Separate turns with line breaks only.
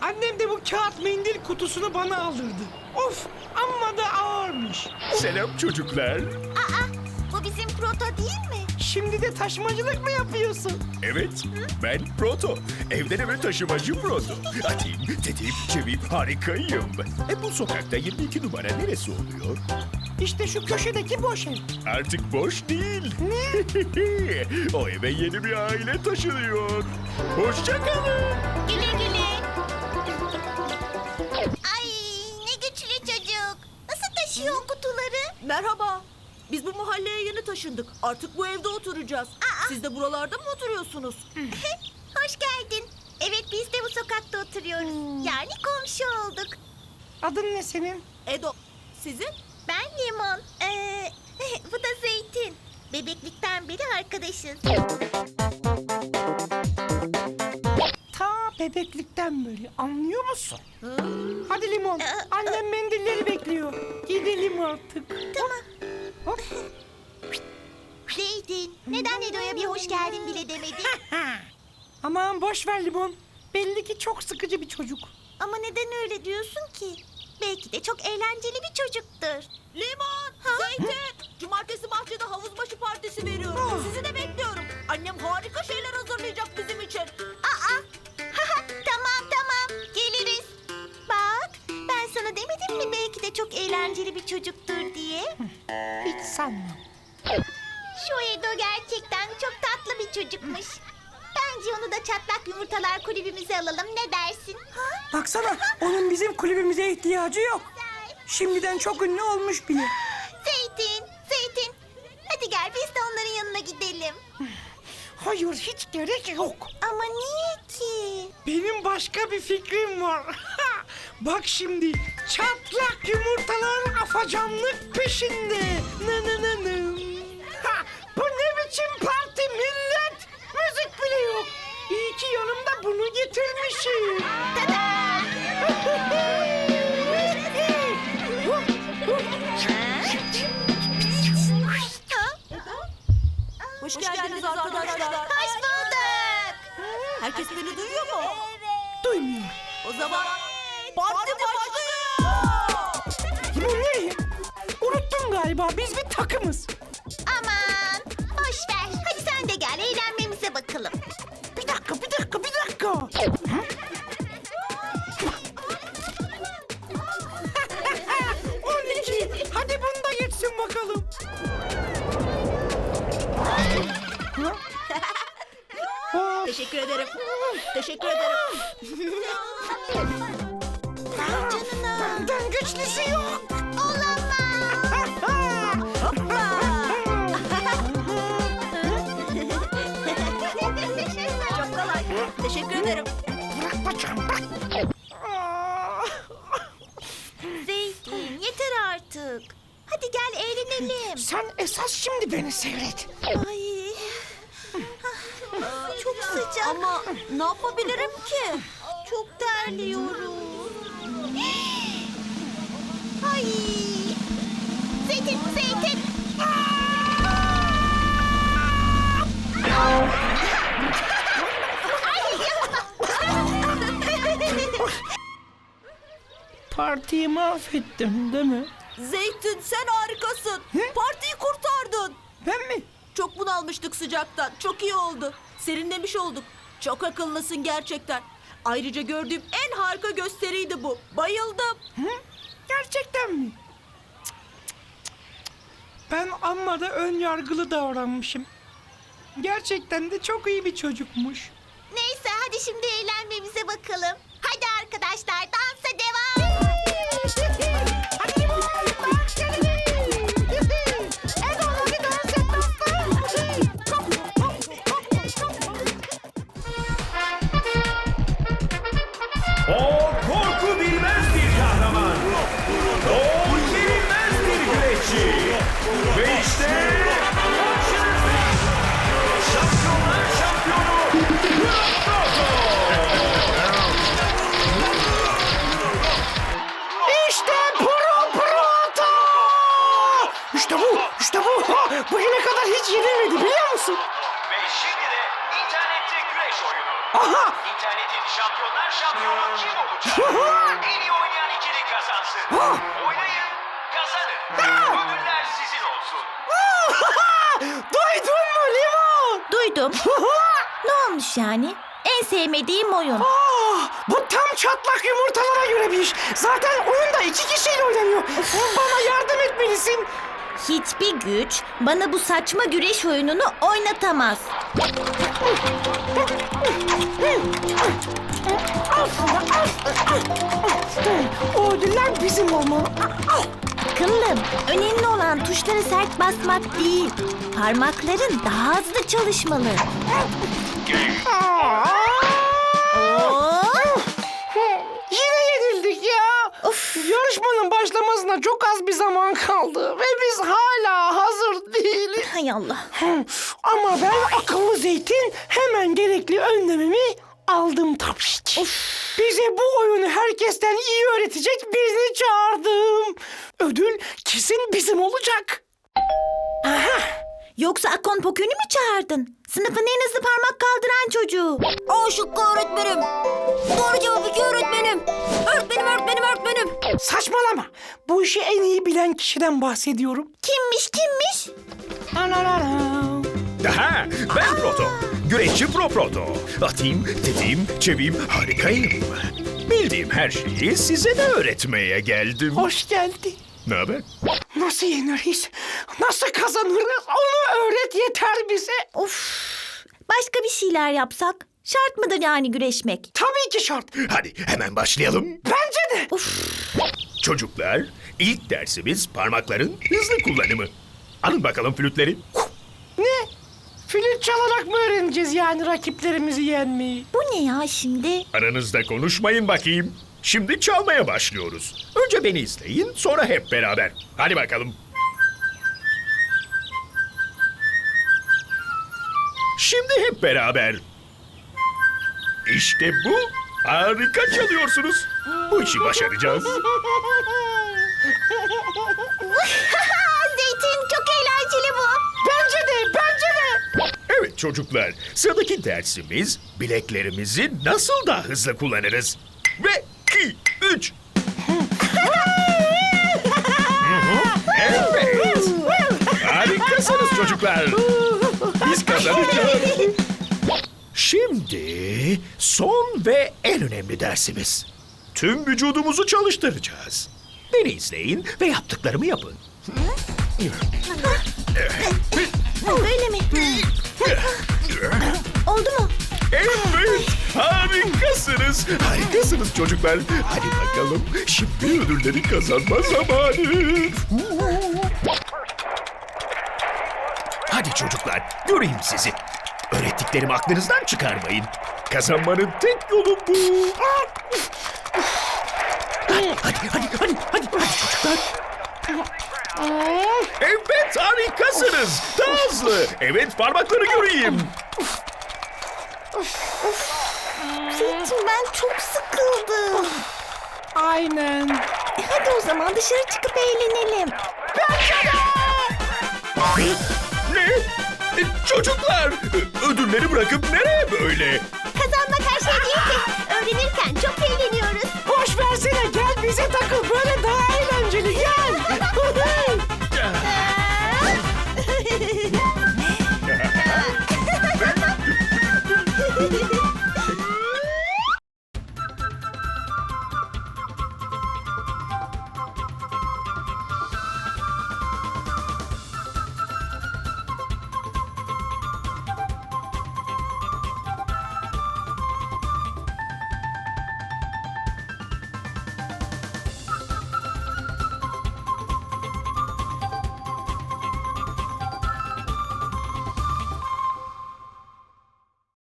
Annem de bu kağıt mendil kutusunu bana aldırdı. Of, amma da ağırmış.
Selam çocuklar.
Aa, bu bizim proto değil mi?
Şimdi de taşımacılık mı yapıyorsun?
Evet, ben Proto. Evden eve taşımacı Proto. Atayım, tetiğim, çeviyim, harikayım. Bu sokakta 22 numara neresi oluyor?
İşte şu köşedeki boş ev.
Artık boş değil. Ne? O eve yeni bir aile taşınıyor. Hoşça kalın.
Güle güle. Ay, ne güçlü çocuk. Nasıl taşıyor o kutuları?
Merhaba. Biz bu mahalleye yeni taşındık. Artık bu evde oturacağız. Siz de buralarda mı oturuyorsunuz?
Hoş geldin. Evet, biz de bu sokakta oturuyoruz. Yani komşu olduk.
Adın ne senin?
Edo. Sizin?
Ben Limon. Bu da Zeytin. Bebeklikten beri arkadaşız.
Ta bebeklikten beri, anlıyor musun? Hadi Limon, annem mendilleri bekliyor. Gidelim artık.
Tamam.
Hop.
Zeytin, neden Edo'ya bir hoş geldin bile demedin?
Aman boş ver Limon. Belli ki çok sıkıcı bir çocuk.
Ama neden öyle diyorsun ki? Belki de çok eğlenceli bir çocuktur.
Limon, Zeytin. Cumartesi bahçede havuz başı partisi veriyorum. Sizi de bekliyorum. Annem harika şeyler hazırlayacak bizim için.
Aa, tamam, geliriz. Bak, ben sana demedim mi belki de çok eğlenceli bir çocuktur diye?
Hiç sanmam.
Şu Edo gerçekten çok tatlı bir çocukmuş. Bence onu da Çatlak Yumurtalar kulübümüze alalım, ne dersin?
Baksana, onun bizim kulübümüze ihtiyacı yok. Şimdiden çok ünlü olmuş bile.
Zeytin. Hadi gel biz de onların yanına gidelim.
Hayır, hiç gerek yok.
Ama niye ki?
Benim başka bir fikrim var. Bak şimdi, çatlak yumurtalar afacanlık peşinde. Bu ne biçim parti millet? Müzik bile yok. İyi ki yanımda bunu getirmişim.
Hoş geldiniz arkadaşlar.
Hoş bulduk.
Herkes beni duyuyor mu?
Duymuyor.
O zaman parti başlıyor.
Bu ne? Unuttun galiba, biz bir takımız.
Aman boş ver. Hadi sen de gel eğlenmemize bakalım.
Bir dakika. 12. Hadi bunu da geçsin bakalım.
Teşekkür ederim. Teşekkür ederim.
Canına.
Benden güçlüsü yok.
Çok kolay. Teşekkür ederim.
Bırak bacağım, bırak.
Zeytin yeter artık. Hadi gel eğlenelim.
Sen esas şimdi beni seyret.
Ay. Çok sıcak.
Ama ne yapabilirim ki?
Çok terliyorum. Ay. Zeytin.
Partiyi mahvettim değil mi?
Zeytin sen harikasın. Partiyi kurtardın.
Ben mi?
Çok bunalmıştık sıcaktan. Çok iyi oldu. Serinlemiş olduk. Çok akıllısın gerçekten. Ayrıca gördüğüm en harika gösteriydi bu. Bayıldım.
Gerçekten mi? Ben amma da ön yargılı davranmışım. Gerçekten de çok iyi bir çocukmuş.
Neyse hadi şimdi eğlenmemize bakalım. Hadi arkadaşlar dansa devam.
Hadi limon, dans edelim. Edo, hadi dans et
O korku bilmez bir kahraman. O yenilmez bir güreşçi. Ve işte karşınızda şampiyonlar şampiyonu Proto.
neymiş yani? En sevmediğim oyun.
Bu tam çatlak yumurtalara göre bir iş. Zaten oyunda 2 kişiyle oynanıyor. Bana yardım etmelisin.
Hiçbir güç bana bu saçma güreş oyununu oynatamaz.
O ödüller bizim olmalı.
Akıllım, önemli olan tuşlara sert basmak değil. Parmakların daha hızlı çalışmalı. Oo!
Yine yenildik ya. Yarışmanın başlamasına çok az bir zaman kaldı. Ve biz hala hazır değiliz.
Hay Allah.
Ama ben akıllı zeytin hemen gerekli önlemimi aldım tabii ki. Bize bu oyunu herkesten iyi öğretecek birini çağırdım. Ödül kesin bizim olacak.
Yoksa Akon Pokün'ü mü çağırdın? Sınıfın en hızlı parmak kaldıran çocuğu.
O şıkkı öğretmenim. Doğru cevap 2 öğretmenim. Öğretmenim.
Saçmalama. Bu işi en iyi bilen kişiden bahsediyorum.
Kimmiş?
Aha, ben Proto. Güreşçi Proto. Atayım, tetiğim, çeviyim, harikayım. Bildiğim her şeyi size de öğretmeye geldim.
Hoş geldin.
Ne haber?
Nasıl yeniriz? Nasıl kazanırız? Onu öğret yeter bize.
Of. Başka bir şeyler yapsak? Şart mıdır yani güreşmek?
Tabii ki şart.
Hadi hemen başlayalım.
Bence de.
Çocuklar, ilk dersimiz parmakların hızlı kullanımı. Alın bakalım flütleri.
Ne? Flüt çalarak mı öğreneceğiz yani rakiplerimizi yenmeyi?
Bu ne ya şimdi?
Aranızda konuşmayın bakayım. Şimdi çalmaya başlıyoruz. Önce beni izleyin, sonra hep beraber. Hadi bakalım. Şimdi hep beraber. İşte bu. Harika çalıyorsunuz. Bu işi başaracağız.
Zeytin çok eğlenceli bu.
Bence de.
Evet çocuklar, sıradaki dersimiz bileklerimizi nasıl daha hızlı kullanırız. Ve 2, 3. Evet. Harikasınız çocuklar. Biz kazanacağız. Şimdi son ve en önemli dersimiz. Tüm vücudumuzu çalıştıracağız. Beni izleyin ve yaptıklarımı yapın.
Böyle mi? Oldu mu?
Evet, harikasınız. Harikasınız çocuklar. Hadi bakalım, şimdi ödülleri kazanma zamanı. Hadi çocuklar, göreyim sizi. Öğrettiklerimi aklınızdan çıkarmayın. Kazanmanın tek yolu bu. Hadi çocuklar. Evet, harikasınız. Daha hızlı. Evet, parmakları göreyim.
Zeytin ben çok sıkıldım.
Aynen.
Hadi o zaman dışarı çıkıp eğlenelim.
Ne? Çocuklar, ödülleri bırakıp nereye böyle?